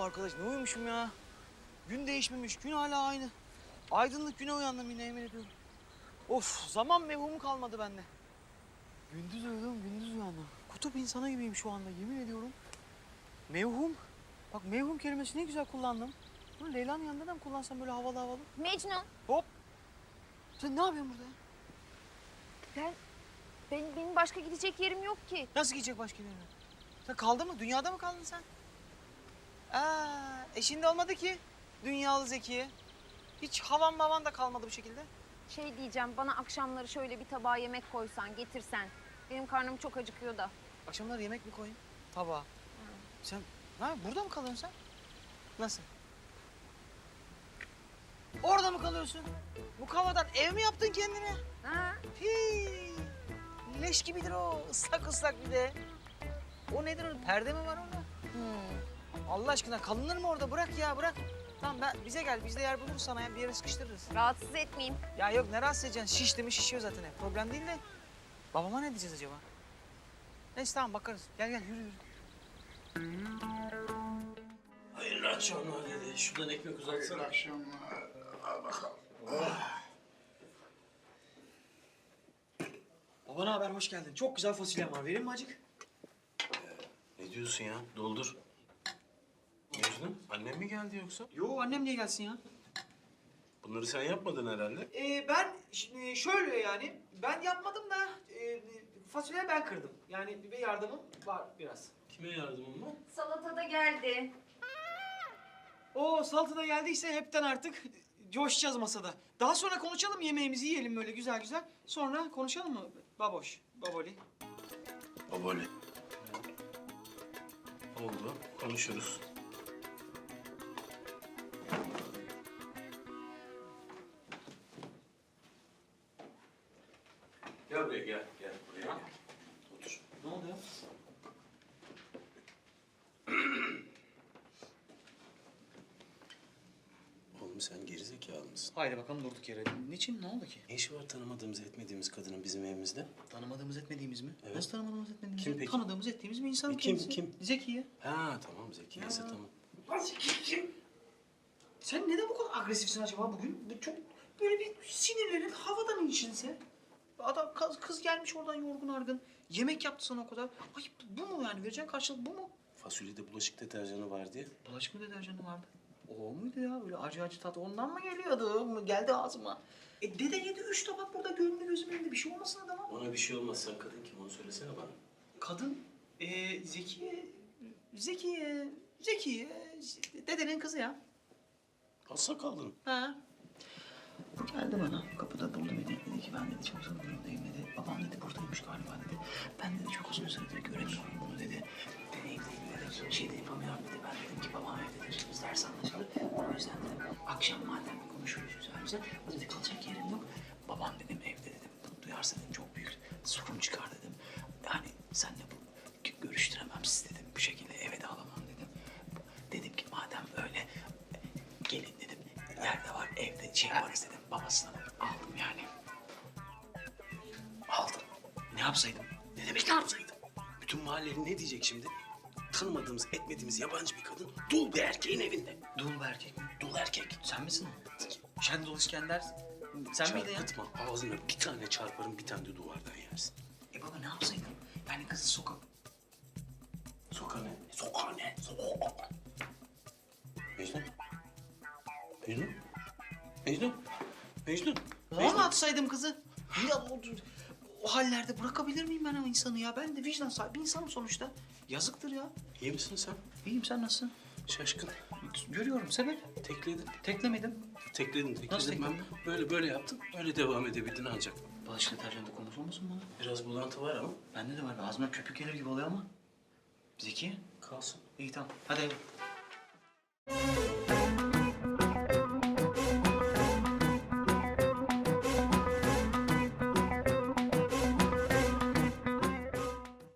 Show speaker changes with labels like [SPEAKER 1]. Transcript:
[SPEAKER 1] arkadaş ne uyumuşum ya. Gün değişmemiş, gün hala aynı. Aydınlık güne uyandım yine yemin ediyorum. Of, zaman mevhumu kalmadı bende. Gündüz uyudum, gündüz uyandım. Kutup insanı gibiyim şu anda yemin ediyorum. Mevhum. Bak mevhum kelimesini ne güzel kullandım. Bunu Leyla'nın yanında da mı kullansam böyle havalı havalı?
[SPEAKER 2] Mecnun.
[SPEAKER 1] Hop. Sen ne yapıyorsun burada ya?
[SPEAKER 2] Benim başka gidecek yerim yok ki.
[SPEAKER 1] Nasıl gidecek başka bir yere? Sen kaldın mı? Dünyada mı kaldın sen? Şimdi olmadı ki. Dünyalı Zekiye. Hiç havan mavan da kalmadı bu şekilde.
[SPEAKER 2] Şey diyeceğim, bana akşamları şöyle bir tabağa yemek koysan, getirsen. Benim karnım çok acıkıyor da.
[SPEAKER 1] Akşamları yemek mi koyayım? Tabağa. Sen burada mı kalıyorsun sen? Nasıl? Orada mı kalıyorsun? Bu kavadan ev mi yaptın kendine?
[SPEAKER 2] Ha?
[SPEAKER 1] Hii. Leş gibidir o. Islak ıslak bir de. O nedir o? Perde mi var orada? Allah aşkına kalınır mı orada? Bırak ya bırak. Tamam bize gel. Biz de yer buluruz sana ya. Bir yere sıkıştırırız.
[SPEAKER 2] Rahatsız etmeyeyim.
[SPEAKER 1] Ya yok ne rahatsız edeceksin? Şişti mi şişiyor zaten. Problem değil de. Babama ne diyeceğiz acaba? Neyse tamam bakarız. Gel yürü yürü.
[SPEAKER 3] Hayırlı akşamlar dedi. Şuradan ekmek uzatsana.
[SPEAKER 4] Hayırlı akşamlar. Al bakalım.
[SPEAKER 1] Baba ne haber? Hoş geldin. Çok güzel fasulyem var. Vereyim mi acık?
[SPEAKER 3] Ne diyorsun ya? Doldur. Mecnun, annem mi geldi yoksa?
[SPEAKER 1] Yo annem niye gelsin ya?
[SPEAKER 3] Bunları sen yapmadın herhalde.
[SPEAKER 1] Ben şimdi şöyle yani. Ben yapmadım da fasulyeyi ben kırdım. Yani bir yardımım var biraz.
[SPEAKER 3] Kime yardımın var?
[SPEAKER 2] Salata da geldi.
[SPEAKER 1] O salata da geldiyse hepten artık coşacağız masada. Daha sonra konuşalım yemeğimizi yiyelim böyle güzel güzel. Sonra konuşalım mı baboş, baboli?
[SPEAKER 3] Baboli. Oldu. Konuşuruz. Gel buraya gel. Gel buraya gel. Otur.
[SPEAKER 1] Ne oldu ya?
[SPEAKER 3] Oğlum sen gerizekalı mısın?
[SPEAKER 1] Haydi bakalım durduk yere. Niçin? Ne oldu ki?
[SPEAKER 3] Ne işi var tanımadığımız, etmediğimiz kadının bizim evimizde?
[SPEAKER 1] Tanımadığımız etmediğimiz mi?
[SPEAKER 3] Evet.
[SPEAKER 1] Nasıl tanımadığımız etmediğimiz
[SPEAKER 3] Kim
[SPEAKER 1] mi?
[SPEAKER 3] peki?
[SPEAKER 1] Tanıdığımız ettiğimiz bir insan
[SPEAKER 3] Kim,
[SPEAKER 1] kendisi.
[SPEAKER 3] kim?
[SPEAKER 1] Zekiye.
[SPEAKER 3] Ha tamam Zeki ise tamam.
[SPEAKER 1] Sen neden bu kadar agresifsin acaba bugün? Bu çok böyle bir sinirlerin havadan inişinse. Adam kız gelmiş oradan yorgun argın. Yemek yaptı sana o kadar. Ay bu mu yani? Vereceğin karşılık bu mu?
[SPEAKER 3] Fasulyede bulaşık deterjanı var diye.
[SPEAKER 1] Bulaşık mı deterjanı vardı? O muydu ya? Böyle acı acı tat ondan mı geliyordu? Geldi ağzıma. Dede yedi 3 tabak burada gönlü gözümün önünde. Bir şey olmasın adama.
[SPEAKER 3] Ona bir şey olmaz. Sen kadın kim onu söylesene bana.
[SPEAKER 1] Kadın, Zekiye, dedenin kızı ya.
[SPEAKER 3] Az sakallın.
[SPEAKER 1] Ha. Geldi bana, kapıda buldu beni. Dedi ki ben dedi çok uzun durumdayım dedi. Babam dedi buradaymış galiba dedi. Ben dedi çok uzun süredir göremiyorum bunu dedi. Ben evdeyim dedi. Şey de yapamıyorum dedi. Ben dedim ki babam evdedir. Biz ders anlaşılır. O yüzden dedim akşam madem konuşuruz güzel güzel. O dedi kalacak yerim yok. Babam dedim evde dedim. Bunu duyarsa dedim çok büyük sorun çıkar dedim. Yani senle bu görüştüremem siz dedim. Bu şekilde eve de alamam dedim. Dedim ki madem öyle gelin dedim. Yerde var evde şey var dedim. Babasına aldım yani.
[SPEAKER 3] Aldım.
[SPEAKER 1] Ne yapsaydım?
[SPEAKER 3] Ne demek ne yapsaydım? Bütün mahallenin ne diyecek şimdi? Tanımadığımız, etmediğimiz yabancı bir kadın dul bir erkeğin evinde.
[SPEAKER 1] Dul bir erkek mi?
[SPEAKER 3] Dul erkek.
[SPEAKER 1] Sen misin o? Şendol İskender. Sen miydin ya?
[SPEAKER 3] Çarpıtma. Ağzına bir tane çarparım, bir tane de duvardan yersin.
[SPEAKER 1] Baba ne yapsaydım? Yani kızı sokak...
[SPEAKER 3] Sokağa ne? Sokağa ne? Sokağa. Mecnun. Mecnun. Mecnun. Mecnun.
[SPEAKER 1] Ona mı atsaydım kızı? Ya o hallerde bırakabilir miyim ben o insanı ya? Ben de vicdan sahibi insanım sonuçta. Yazıktır ya.
[SPEAKER 3] İyi misin sen?
[SPEAKER 1] İyiyim sen nasılsın?
[SPEAKER 3] Şaşkın.
[SPEAKER 1] Görüyorum sebep.
[SPEAKER 3] Tekledin.
[SPEAKER 1] Teklemedim.
[SPEAKER 3] Tekledin.
[SPEAKER 1] Nasıl
[SPEAKER 3] Ben
[SPEAKER 1] tekledin?
[SPEAKER 3] böyle yaptım. Öyle devam edebildin ancak.
[SPEAKER 1] Bulaşık deterjanı konusu olmasın bana?
[SPEAKER 3] Biraz bulantı var ama
[SPEAKER 1] Bende de var. Ağzımdan köpük gelir gibi oluyor ama. Zeki.
[SPEAKER 3] kalsın.
[SPEAKER 1] İyi tamam. Hadi eve.